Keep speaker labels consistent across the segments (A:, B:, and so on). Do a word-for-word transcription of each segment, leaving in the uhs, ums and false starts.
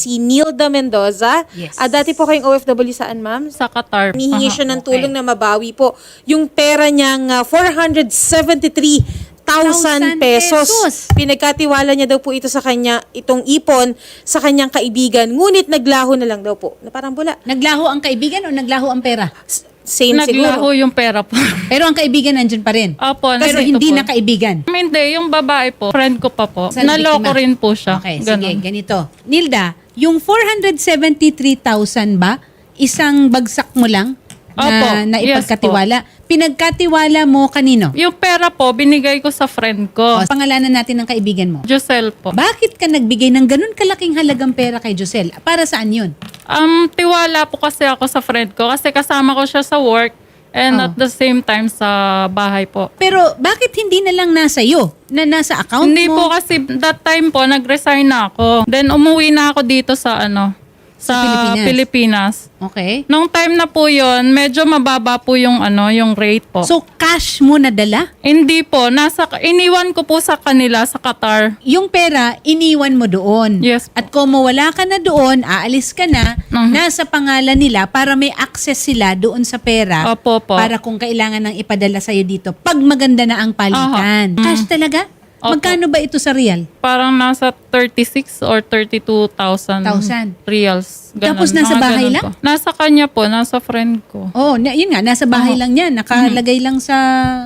A: si Nilda Mendoza.
B: Yes.
A: Ah, dati po kayong O F W saan, ma'am?
C: Sa Qatar.
A: Nihingi
C: Aha.
A: siya ng
B: okay.
A: tulong na mabawi po yung pera niyang ah, four hundred seventy-three thousand pesos.
B: pesos.
A: Pinagkatiwala niya daw po ito sa kanya, itong ipon sa kanyang kaibigan. Ngunit naglaho na lang daw po. Na parang bula.
B: Naglaho ang kaibigan o naglaho ang pera?
A: S- Same
C: Naglaho
A: siguro.
C: yung pera po.
B: Pero ang kaibigan nandyan pa rin.
C: Opo.
B: Pero
C: nandito
B: hindi
C: po.
B: na kaibigan.
C: Hindi, yung babae po, friend ko pa po.
B: Sa
C: Naloko
B: biktima.
C: rin po siya.
B: Okay,
C: Ganon.
B: sige, ganito. Nilda, yung four hundred seventy-three thousand ba, isang bagsak mo lang na,
C: Opo,
B: na
C: yes
B: ipagkatiwala? Pinagkatiwala mo kanino?
C: Yung pera po, binigay ko sa friend ko.
B: O, pangalanan natin ng kaibigan mo.
C: Josel po.
B: Bakit ka nagbigay ng ganun kalaking halagang pera kay Josel? Para saan yun?
C: Um, tiwala po kasi ako sa friend ko kasi kasama ko siya sa work and
B: Oh.
C: at the same time sa bahay po.
B: Pero bakit hindi na lang nasa iyo? Na nasa account
C: Hindi
B: mo?
C: po kasi that time po nag-resign na ako. Then umuwi na ako dito sa ano, sa,
B: Sa Pilipinas.
C: Pilipinas.
B: Okay.
C: Nung time na po yon, medyo mababa po yung ano, yung rate po.
B: So, cash mo nadala?
C: hindi po, nasa iniwan ko po sa kanila sa Qatar.
B: Yung pera, iniwan mo doon.
C: Yes po.
B: At kung mawala ka na doon, aalis ka na,
C: Mhm.
B: nasa pangalan nila para may access sila doon sa pera.
C: Opo po.
B: Para kung kailangan ng ipadala sa'yo dito, pag maganda na ang palitan.
C: Aha.
B: Cash talaga?
C: Opo.
B: Magkano ba ito sa real?
C: Parang nasa thirty-six or thirty-two thousand
B: Thousand.
C: reals. Ganun.
B: Tapos nasa
C: Mga
B: bahay
C: ganun
B: lang?
C: po. Nasa kanya po, nasa friend ko.
B: Oh, na, yun nga, nasa bahay
C: Aha.
B: lang yan. Nakalagay lang sa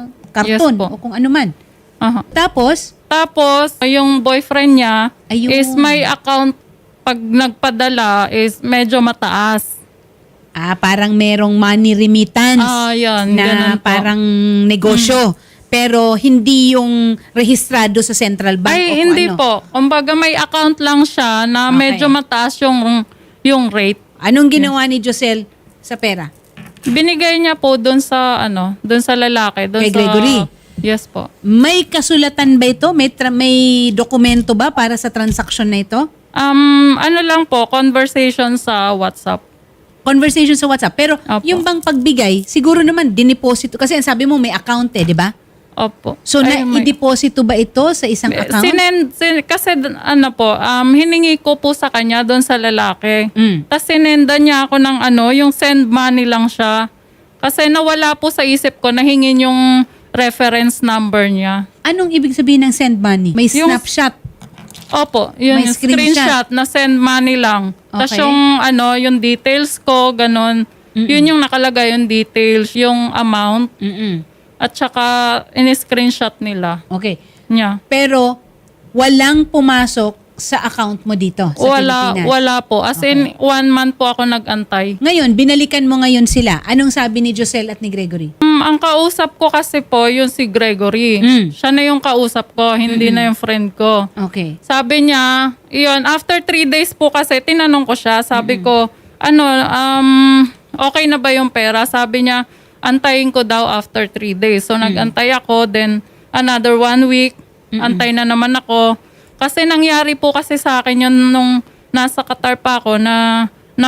B: karton
C: Yes po.
B: o kung ano man.
C: Aha.
B: Tapos,
C: Tapos, yung boyfriend niya
B: Ayun.
C: is may account pag nagpadala is medyo mataas.
B: ah, parang merong money remittance
C: Ah, yan.
B: na
C: ganun po.
B: parang negosyo. Pero hindi yung rehistrado sa central bank o
C: Ay,
B: kung
C: hindi
B: ano.
C: po. Kumbaga may account lang siya na
B: Okay.
C: medyo mataas yung, yung rate.
B: Anong ginawa ni Josel sa pera?
C: Binigay niya po doon sa, ano, doon sa lalaki. Doon
B: Kay
C: sa,
B: Gregory?
C: Yes po.
B: May kasulatan ba ito? May, tra- may dokumento ba para sa transaksyon na ito?
C: Um, ano lang po, conversation sa WhatsApp.
B: Conversation sa WhatsApp. Pero
C: Opo.
B: yung bang pagbigay, siguro naman dineposito. Kasi ang sabi mo may account eh, di ba?
C: Opo.
B: So,
C: Ay, may-
B: na-i-deposito ba ito sa isang account?
C: Sinend, sin, kasi d- ano po, um, hiningi ko po sa kanya doon sa lalaki.
B: Mm.
C: Tapos sinenda niya ako ng ano, yung send money lang siya. Kasi nawala po sa isip ko na hingin yung reference number niya.
B: Anong ibig sabihin ng send money? May
C: Yung-
B: snapshot.
C: Opo, yun
B: May
C: yung
B: screenshot.
C: screenshot. na send money lang. Tapos
B: Okay.
C: yung ano, yung details ko, ganun. Yun yung nakalagay yung details, yung amount,
B: Mm-mm.
C: at saka in-screenshot nila
B: Okay.
C: niya.
B: Pero walang pumasok sa account mo dito sa
C: Wala,
B: Pilipinas.
C: wala po. As in, one month po ako nag-antay.
B: Ngayon, binalikan mo ngayon sila. Anong sabi ni Josel at ni Gregory?
C: Mm, ang kausap ko kasi po, yung si Gregory.
B: Mm.
C: Siya na yung kausap ko, hindi na yung friend ko.
B: Okay.
C: Sabi niya, yun, after three days po kasi, tinanong ko siya, sabi ko, ano, um, okay na ba yung pera? Sabi niya, antayin ko daw after three days. So, nag-antay ako, then another one week, antay na naman ako. Kasi nangyari po kasi sa akin yun nung nasa Qatar pa ako na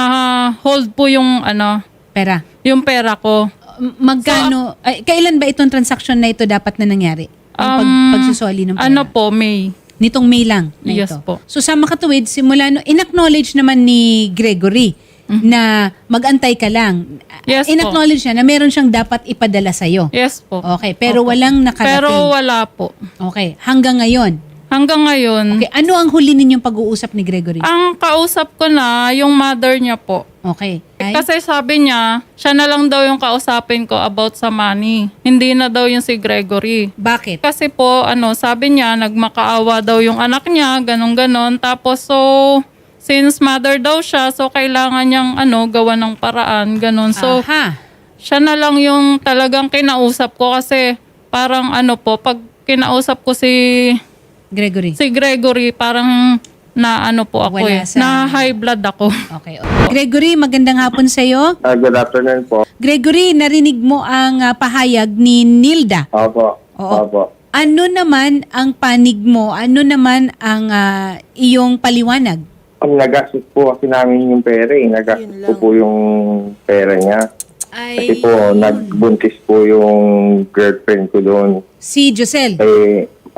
C: na-hold po yung, ano,
B: Pera.
C: yung pera ko.
B: M- Magkano, ay, kailan ba itong transaction na ito dapat na nangyari? Ang pag,
C: Um,
B: pagsusoli ng pera?
C: Ano po, May.
B: Nitong May lang na
C: Yes
B: ito.
C: po.
B: So sa makatuwid, simula no, in-acknowledge naman ni Gregory na mag-antay ka lang.
C: Yes po.
B: In-acknowledge niya na meron siyang dapat ipadala sa'yo.
C: Yes po.
B: Okay, pero
C: Opo.
B: walang nakarating.
C: Pero wala po.
B: Okay, hanggang ngayon.
C: Hanggang ngayon,
B: Okay, ano ang huli ninyong pag-uusap ni Gregory?
C: ang kausap ko na yung mother niya po.
B: Okay. Ay,
C: Kasi sabi niya, siya na lang daw yung kausapin ko about sa money. Hindi na daw yung si Gregory.
B: bakit?
C: Kasi po, ano, sabi niya, nagmakaawa daw yung anak niya, ganon-ganon. Tapos, so, since mother daw siya, so kailangan niyang, ano, gawa ng paraan, ganon. So,
B: Aha.
C: siya na lang yung talagang kinausap ko kasi parang, ano po, pag kinausap ko si
B: Gregory.
C: si Gregory, parang na ano po ako
B: Wala
C: eh.
B: sa-
C: Na high blood ako.
B: Okay. okay. Gregory, magandang hapon sa'yo.
D: Ah, good afternoon po.
B: Gregory, narinig mo ang ah, pahayag ni Nilda.
D: Opo.
B: Oo.
D: Opo.
B: Ano naman ang panig mo? Ano naman ang ah, iyong paliwanag?
D: Ang nagastos po kasi namin yung pera eh. Nagastos
A: Yun
D: ko
A: lang.
D: po yung pera niya. Kasi
B: Ay,
D: po, nagbuntis po yung girlfriend ko doon.
B: si Josel.
D: Eh,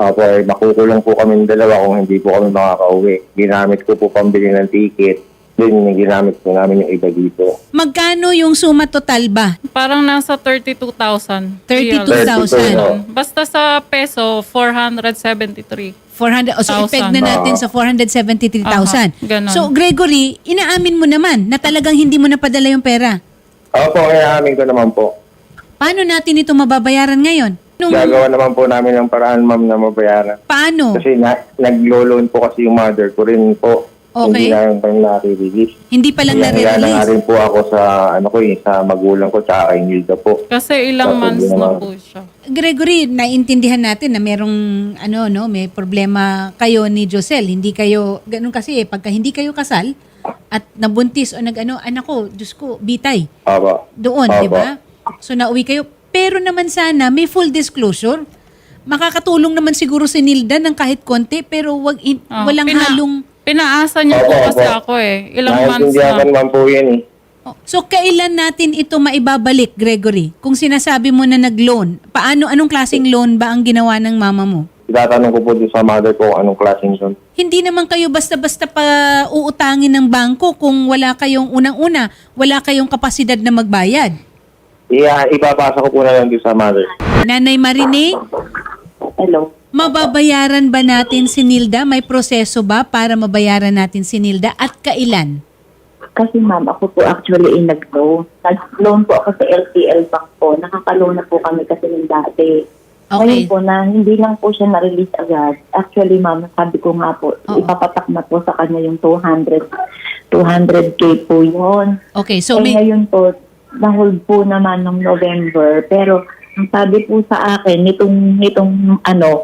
D: Opo, eh, makukulong po kami dalawa kung hindi po kami makakauwi. Ginamit ko po pambili ng ticket. Then, ginamit po namin yung iba dito.
B: Magkano yung suma total ba?
C: Parang nasa thirty-two thousand.
B: thirty-two thousand.
D: thirty-two,
C: Basta sa peso, four hundred seventy-three.
B: four hundred, o so
C: Thousand.
B: ipeg na natin sa four hundred seventy-three thousand.
C: Aha, ganon.
B: So Gregory, inaamin mo naman na talagang hindi mo napadala yung pera.
D: Opo, kaya amin ko naman po.
B: Paano natin ito mababayaran ngayon? Nung,
D: Gagawa naman po namin ng paraan, ma'am, na mabayaran.
B: paano?
D: Kasi na, nag-loan po kasi yung mother ko rin po.
B: Okay.
D: Hindi na yung na-release.
B: Hindi pa lang
D: Kaya na nga
B: nare-release.
D: rin po ako sa, ano ko eh, sa magulang ko, tsaka kay Nilda po.
C: Kasi ilang
D: Tapos
C: months
D: yun
C: na
D: naman.
C: po siya.
B: Gregory, naiintindihan natin na merong ano no, may problema kayo ni Josel. Hindi kayo ganun kasi eh, pagka hindi kayo kasal at nabuntis o nag-ano, anak ko, Diyos ko, bitay.
D: Opo.
B: Doon,
D: Opo.
B: di ba? So nauwi kayo. Pero naman sana may full disclosure. Makakatulong naman siguro si Nilda ng kahit konti pero wag in-
C: Ah,
B: walang
C: pina-
B: halong.
C: Pinaasa niyo po
D: Opo,
C: kasi
D: opo.
C: ako eh. Ilang months
D: Naiintindihan ko
C: na.
D: naman po yan eh.
B: Oh, so kailan natin ito maibabalik, Gregory? Kung sinasabi mo na nag-loan, paano, anong klaseng loan ba ang ginawa ng mama mo?
D: Itatanong ko po doon sa mother ko kung anong klaseng yun.
B: Hindi naman kayo basta-basta pa uutangin ng bangko kung wala kayong unang-una, wala kayong kapasidad na magbayad.
D: Iya, ipapasa ko po na lang doon sa mother.
B: Nanay Marinig,
E: Hello.
B: mababayaran ba natin si Nilda? May proseso ba para mabayaran natin si Nilda at kailan?
E: Kasi ma'am, ako po actually in nag-loan. Nag-loan po ako sa L T L Bank po. Nakaka-loan na po kami kasi ng dati. Ngayon
B: Okay.
E: po na hindi lang po siya na-release agad. Actually ma'am, sabi ko nga po,
B: Oo.
E: ipapatak na po sa kanya yung two hundred, two hundred K po yun.
B: Okay, so
E: eh
B: may...
E: ngayon po, na-hold po naman ng November. Pero ang sabi po sa akin, nitong, nitong ano,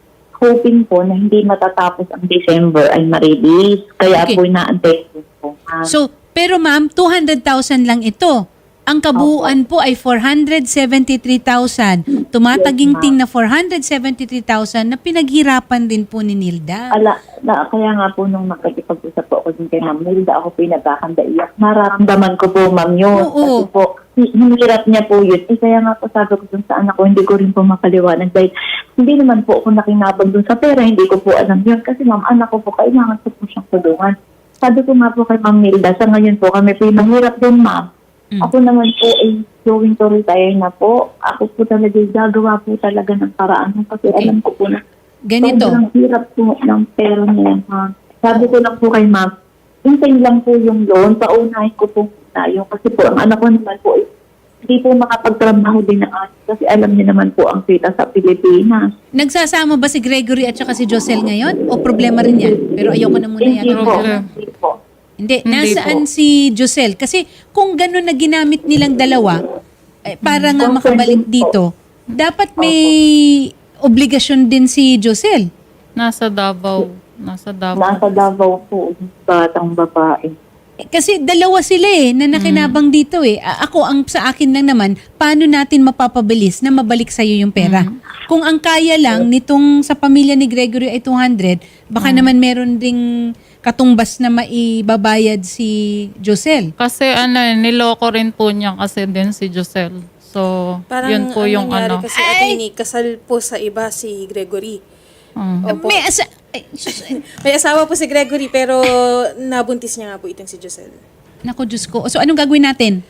E: hoping po na hindi matatapos ang December ay ma-release. Kaya
B: Okay.
E: po inaantay ko po. ma'am.
B: So, pero ma'am, two hundred thousand lang ito. Ang kabuuan po ay four hundred seventy-three thousand. Tumataginting na four hundred seventy-three thousand na pinaghirapan din po ni Nilda.
E: Ala, na, kaya nga po nung nakikipag-usap po ako din kay Ma'am Nilda, ako po yung nagkakanda iyak. Nararamdaman ko po, Ma'am, yun.
B: Oo.
E: Kasi po, hi- hinihirap niya po yun. Eh, kaya nga po sabi ko dun sa anak ko, hindi ko rin po mapaliwanag. Dahil hindi naman po ako nakinabag dun sa pera, hindi ko po alam yun. Kasi Ma'am, anak ko po, kailangan ko po siyang tulungan. Sabi ko nga po kay Ma'am Nilda, sa ngayon po kami po yung mahirap din, Ma'am.
B: Mm.
E: Ako naman po ay going to retire na po. Ako po talaga gagawa po talaga ng paraan. Kasi
B: Okay.
E: alam ko po na
B: Ganito.
E: sobrang hirap po ng pera niya, ma'am. Sabi ko lang po kay ma'am, hintayin lang po yung loan, paunahin ko po na yung kasi po ang anak ko naman po, eh, hindi po makapagtrabaho din ng anak kasi alam niya naman po ang kita sa Pilipinas.
B: Nagsasama ba si Gregory at saka si Josel ngayon? O problema rin yan? Pero ayoko na muna yan.
E: Hindi po.
C: problem.
E: Hindi po.
B: Hindi,
C: Hindi
B: nasaan
C: po.
B: si Josel? Kasi kung gano'n na ginamit nilang dalawa, eh, para nga
E: Concern
B: makabalik
E: din po.
B: dito, dapat may obligasyon din si Josel.
C: Nasa Davao. Nasa Davao.
E: Nasa Davao po, yung batang babae.
B: Eh, Kasi dalawa sila eh, na nakinabang dito eh. A- Ako, ang sa akin lang naman, paano natin mapapabilis na mabalik sa'yo yung pera? Kung ang kaya lang nitong sa pamilya ni Gregory ay two hundred, baka naman meron ding katumbas na maibabayad si Josel.
C: Kasi ano, eh, niloko rin po niya kasi din si Josel. So,
A: Parang
C: yun po
A: ang
C: yung
A: nangyari
C: ano.
A: kasi attorney, kasal po sa iba si Gregory.
C: Mm.
A: Opo.
B: May asa... ay, sus-
A: May asawa po si Gregory pero nabuntis niya nga po itong si Josel.
B: Naku, Diyos ko. So, anong gagawin natin?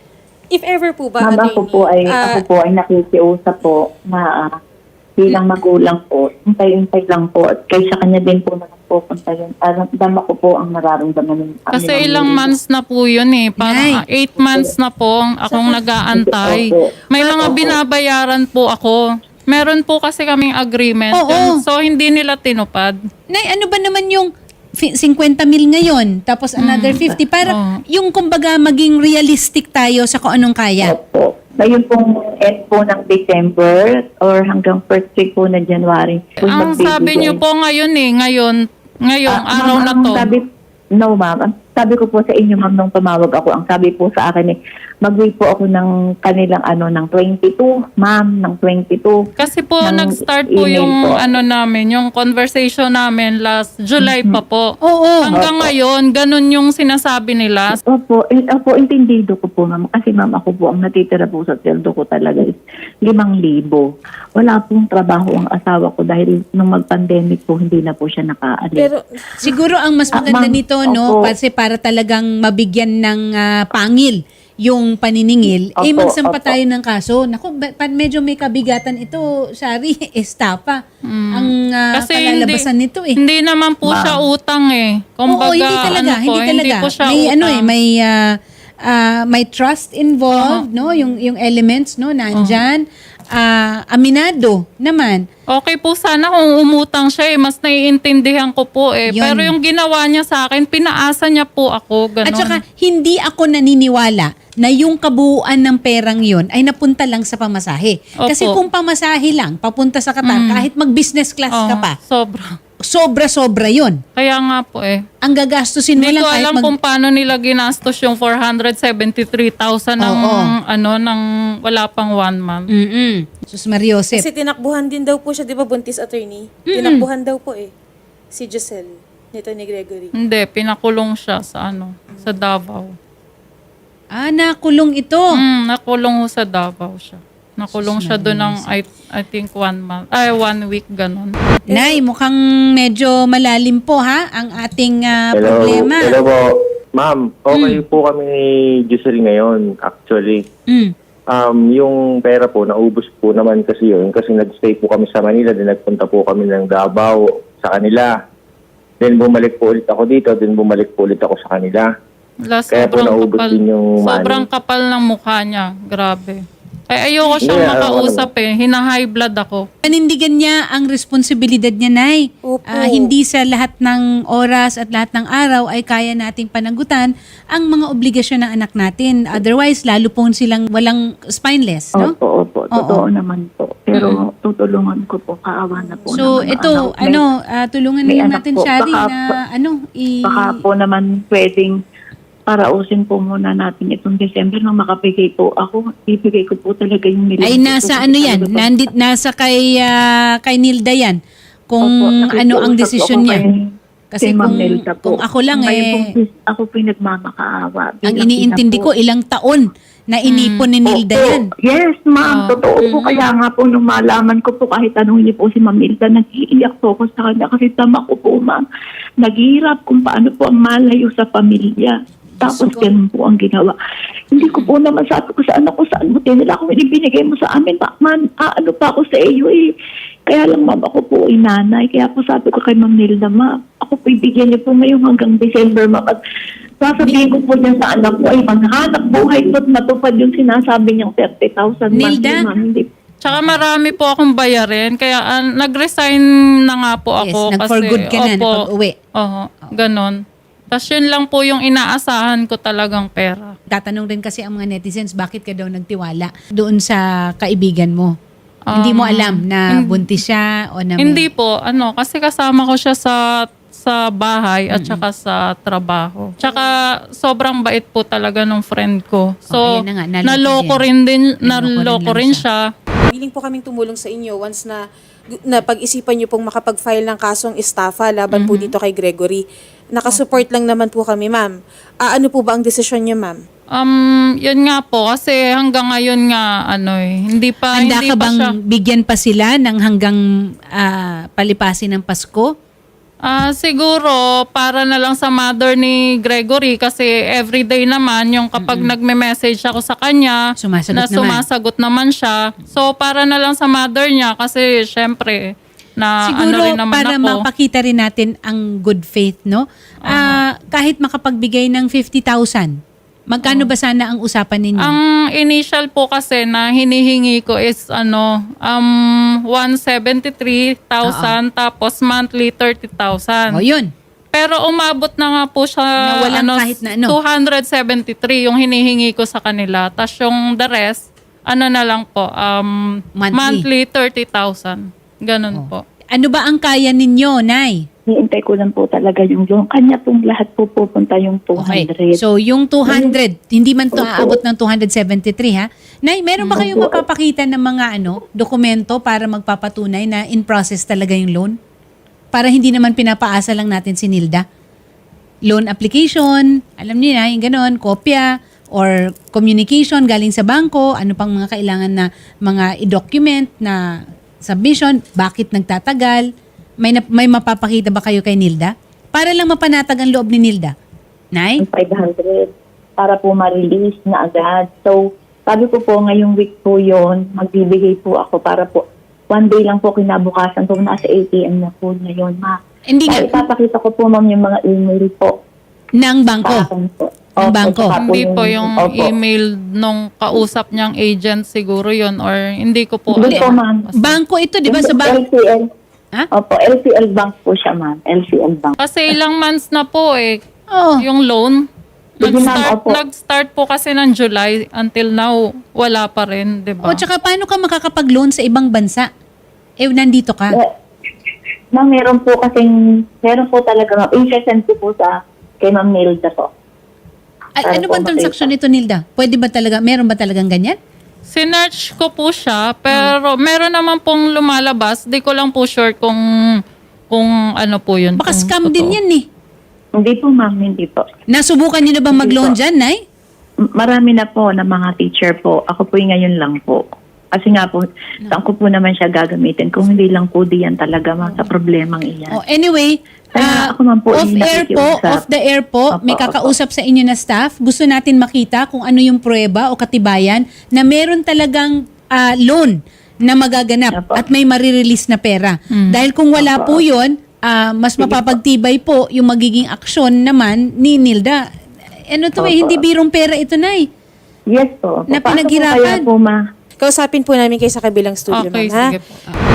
A: If ever po ba,
E: Ma'am,
A: attorney,
E: ako po ay,
A: ah,
E: ako po ay nakikiusap po na ah, bilang magulang po, hintay-hintay lang po at kaysa kanya din po naman po punta yun. Alam, dama ko po ang nararamdaman ng
C: Kasi
E: ng-
C: ilang months na po yun eh.
B: Nay.
C: Parang eight months na po ang akong nag-aantay. May mga binabayaran po ako. Meron po kasi kaming agreement.
B: Oo.
C: Yun. So, hindi nila tinupad.
B: Nay, ano ba naman yung fi- fifty mil ngayon, tapos another fifty, para
C: Oo.
B: yung kumbaga maging realistic tayo sa kung anong kaya.
E: Opo. Ngayon pong end po ng December or hanggang first week po ng January. po
C: Ang
E: magbibigay.
C: sabi niyo po ngayon eh, ngayon, ngayong
E: Ah,
C: araw
E: ma'am,
C: na
E: ang
C: to.
E: Sabi, no ma'am, ang sabi ko po sa inyo ma'am nung tumawag ako, ang sabi po sa akin eh, Mag-wait po ako ng kanilang ano, ng twenty-two, ma'am, ng twenty-two.
C: Kasi po,
E: ng
C: nag-start po
E: email
C: yung
E: po.
C: ano namin, yung conversation namin last July pa po.
B: Oo.
C: Hanggang ngayon, ganun yung sinasabi nila.
E: Opo, eh, opo, intindido ko po, ma'am. Kasi ma'am, ako po, ang natitira po sa sweldo ko talaga is limang libo. Wala pong trabaho ang asawa ko dahil nung mag-pandemic po, hindi na po siya nakaalis.
A: Pero,
B: Siguro ang mas
E: Ah,
B: maganda
E: ma'am,
B: nito, no,
E: opo.
B: kasi para talagang mabigyan ng ah, pangil yung paniningil, eh
E: Opo,
B: magsampa
E: opo.
B: tayo ng kaso. Naku, ba- pa- medyo may kabigatan ito, Shari, estafa. Ang ah,
C: Kasi
B: kalalabasan
C: hindi,
B: nito eh.
C: hindi naman po siya utang eh. Kumbaga,
B: Oo, hindi talaga,
C: ano po,
B: hindi talaga.
C: po siya
B: may
C: utang.
B: ano eh, may ah, ah, may trust involved, no, yung yung elements, no, nandiyan. Ah, aminado naman.
C: Okay po sana kung umutang siya eh. Mas naiintindihan ko po eh.
B: Yun.
C: Pero yung ginawa niya sa akin, pinaasa niya po ako. Ganon.
B: At saka, hindi ako naniniwala na yung kabuuan ng perang yon ay napunta lang sa pamasahe.
C: Opo.
B: Kasi kung pamasahe lang, papunta sa Qatar, kahit mag-business class
C: Oo,
B: ka pa,
C: sobra.
B: sobra-sobra yon.
C: Kaya nga po eh.
B: Ang gagastusin mo
C: Hindi
B: lang
C: ko
B: kahit
C: alam
B: mag...
C: kung paano nila ginastos yung four hundred seventy-three thousand ng
B: Oo.
C: ano ng wala pang one month.
B: Mm-mm. Sus Mariosep.
A: kasi tinakbuhan din daw po siya, di ba, buntis attorney? Tinakbuhan daw po eh. Si Giselle, nito ni Gregory.
C: Hindi, pinakulong siya sa ano, sa Davao.
B: Ah, nakulong ito.
C: Mm, nakulong ho sa Davao siya. Nakulong siya doon ng I, I think one month, ay one week ganon.
B: Nay, mukhang medyo malalim po ha ang ating ah,
D: Hello,
B: problema.
D: hello po. Ma'am, okay po kami ni Giselle ngayon, actually.
B: Mm.
D: Um, yung pera po, naubos po naman kasi yun. Kasi nag-stay po kami sa Manila, then nagpunta po kami ng Davao sa kanila. Then bumalik po ulit ako dito, then bumalik po ulit ako sa kanila.
C: Wala,
D: Kaya po
C: sobrang
D: naubos
C: kapal,
D: din yung money.
C: sobrang kapal ng mukha niya. Grabe. Ay, ayoko siyang
D: Hindi, alam ko
C: makausap eh. Hina-high blood ako.
B: Panindigan niya ang responsibilidad niya, Nay.
A: Opo.
B: Ah, hindi sa lahat ng oras at lahat ng araw ay kaya nating panagutan ang mga obligasyon ng anak natin. Otherwise, lalo pong silang walang spineless, no?
E: Opo, opo. Totoo naman po. Pero tutulungan ko po. Kaawa na po.
B: So,
E: naman ang
B: ito,
E: anak. May-
B: ano, ah, tulungan
E: may
B: na
E: anak
B: natin,
E: po.
B: Shari,
E: Baka-
B: na ano, i...
E: Baka po naman pwedeng parausin po muna natin itong December nang makapigay po ako. Ibigay ko po talaga yung nilagay
B: Ay,
E: ko
B: nasa
E: po
B: ano
E: talaga
B: yan?
E: po.
B: Nandit, nasa kay, ah, kay Nilda yan. Kung
E: Opo,
B: ano
E: nakikiusap
B: ang
E: po
B: desisyon
E: ako
B: niya.
E: kay-
B: Kasi
E: kay Ma'am
B: kung,
E: Nelda po.
B: kung ako lang
E: Ngayon
B: eh,
E: po, ako po yung nagmamakaawa.
B: ang
E: Bilang
B: iniintindi
E: ina
B: ko,
E: po.
B: ilang taon na inipon ni Nilda
E: Opo.
B: yan.
E: Yes, ma'am. Totoo po. Kaya nga po, nung malaman ko po, kahit tanong niyo po si Ma'am Nilda, nag-iiyak po ako sa kanya kasi tama ko po, ma'am. Naghihirap kung paano po ang malayo sa pamilya. Tapos ganun po ang ginawa. Hindi ko po naman sabi ko sa anak ko, saan mo tinila kung ibinigay mo sa amin, ma, man, ah, ano pa ako sa iyo eh. Kaya lang, ma'am, ako po ay nanay. Kaya po sabi ko kay Ma'am Nilda, ma'am, ako po ibigyan niyo po ngayon hanggang December, ma'am. At sasabihin ko po dyan sa anak ko ay maghanap buhay ko at matupad yung sinasabi niyang thirty thousand.
B: Nilda?
E: Ma'am, hindi.
C: Tsaka marami po akong bayarin. Kaya ah, nag-resign na nga po
B: Yes,
C: ako.
B: nag-for
C: kasi,
B: good ka na,
C: opo,
B: napag-uwi.
C: Oo, ganon. Tapos yun lang po yung inaasahan ko talagang pera.
B: Tatanong rin kasi ang mga netizens, bakit ka daw nagtiwala doon sa kaibigan mo? Hindi mo alam na buntis siya o na may-
C: Hindi po, ano, kasi kasama ko siya sa sa bahay at saka sa trabaho. Tsaka sobrang bait po talaga ng friend ko. So,
B: Oh, ayan na nga, naloko
C: naloko
B: din.
C: rin din,
B: Naloko
C: naloko
B: rin
C: rin
B: lang
C: siya.
A: Willing po kaming tumulong sa inyo once na na pag-isipan niyo pong makapag-file ng kasong estafa laban po dito kay Gregory. Nakasupport lang naman po kami, ma'am. Ah, ano po ba ang desisyon niyo, ma'am?
C: Um, yun nga po, kasi hanggang ngayon nga, ano eh, hindi pa,
B: Handa
C: hindi
B: ka
C: pa
B: bang
C: siya.
B: bigyan pa sila ng hanggang ah, palipasin ng Pasko?
C: Ah, siguro para na lang sa mother ni Gregory kasi everyday naman yung kapag nagme-message ako sa kanya
B: Sumasagot
C: na
B: naman.
C: sumasagot naman siya. So para na lang sa mother niya kasi syempre na
B: Siguro
C: ano rin naman
B: para
C: ako.
B: mapakita rin natin ang good faith, no? Ah, kahit makapagbigay ng fifty thousand, magkano ba sana ang usapan ninyo?
C: Ang initial po kasi na hinihingi ko is ano um one hundred seventy-three thousand tapos monthly thirty thousand.
B: o yun.
C: Pero umabot na nga po siya
B: Na walang
C: ano,
B: kahit na ano.
C: two hundred seventy-three yung hinihingi ko sa kanila. Tapos yung the rest, ano na lang po, um,
B: Monthly.
C: monthly thirty thousand. Ganun po.
B: Ano ba ang kaya ninyo, Nay,
E: Niintay ko lang po talaga yung loan. Kanya pong lahat po pupunta yung two
B: Okay.
E: hundred.
B: So, yung two hundred, hindi man to
E: Opo.
B: aabot ng two hundred seventy-three, ha? Nay, meron ba kayong
E: Opo.
B: mapapakita ng mga ano, dokumento para magpapatunay na in process talaga yung loan? Para hindi naman pinapaasa lang natin si Nilda. Loan application, alam niyo na, yung ganon, kopya, or communication galing sa bangko, ano pang mga kailangan na mga i-document na submission, bakit nagtatagal, may, na- may mapapakita ba kayo kay Nilda? Para lang mapanatag ang loob ni Nilda. Nay?
E: five hundred para po ma-release na agad. So, sabi ko po, ngayong week po yon magbibigay po ako para po, one day lang po kinabukasan po, nasa A T M na po ngayon, ma.
B: Hindi nga,
E: Kaya ipapakita ko po, ma'am, yung mga email po.
B: ng bangko.
E: Sa akin po.
B: Ng
E: Opo,
B: bangko.
E: saka
C: Hindi po yung
E: opo.
C: email nung kausap niyang agent siguro yon or hindi ko po
E: Hindi po,
C: alam.
E: ma'am.
B: Bangko ito, di ba? Sa
E: L
B: bangko.
E: C L.
B: Ha?
E: Opo, L C L Bank po siya, ma'am. L C L Bank.
C: Kasi ilang months na po eh,
B: Oh.
C: yung loan.
E: Sige, ma'am,
C: Nag-start,
E: opo.
C: nag-start po kasi ng July until now, wala pa rin, di ba?
B: O, tsaka paano ka makakapag-loan sa ibang bansa? Eh, nandito ka.
E: Eh, Ma'am, meron po kasing, meron po talaga, ma'am. I-send ko po sa, kay Ma'am Nilda po.
B: A-
E: Para
B: ano
E: po
B: bang transaksyon nito, Nilda? Pwede ba talaga, meron ba talagang ganyan?
C: Sinearch ko po siya, pero meron naman pong lumalabas. Di ko lang po sure kung kung ano po yun.
B: Baka
C: kung
B: scam
C: totoo.
B: din yan eh.
E: Hindi po, ma'am, hindi po.
B: Nasubukan niyo na bang
E: Hindi
B: mag-loan
E: po.
B: dyan, Nay?
E: M- Marami na po na mga teacher po. Ako po yung ngayon lang po. Kasi nga po, saan ko po naman siya gagamitin kung hindi lang po diyan talaga, ma'am, sa problemang iyan.
B: Oh, anyway,
E: Kaya
B: ah,
E: ako man po
B: off
E: yung
B: air po,
E: nakikiusap.
B: off the air po,
E: Opo,
B: may
E: opo.
B: kakausap sa inyo na staff. Gusto natin makita kung ano yung pruweba o katibayan na meron talagang ah, loan na magaganap
E: Opo.
B: at may marirelease na pera. Dahil kung wala po yun, ah, mas mapapagtibay po yung magiging aksyon naman ni Nilda. Ano to eh,
E: Opo.
B: hindi birong pera ito, Nay.
E: Yes po.
B: Na
E: Paano po
B: pinaghirapan.
E: kaya po, ma?
A: Kausapin po namin kayo sa kabilang studio,
C: Okay,
A: ma'am, ha?
C: sige po.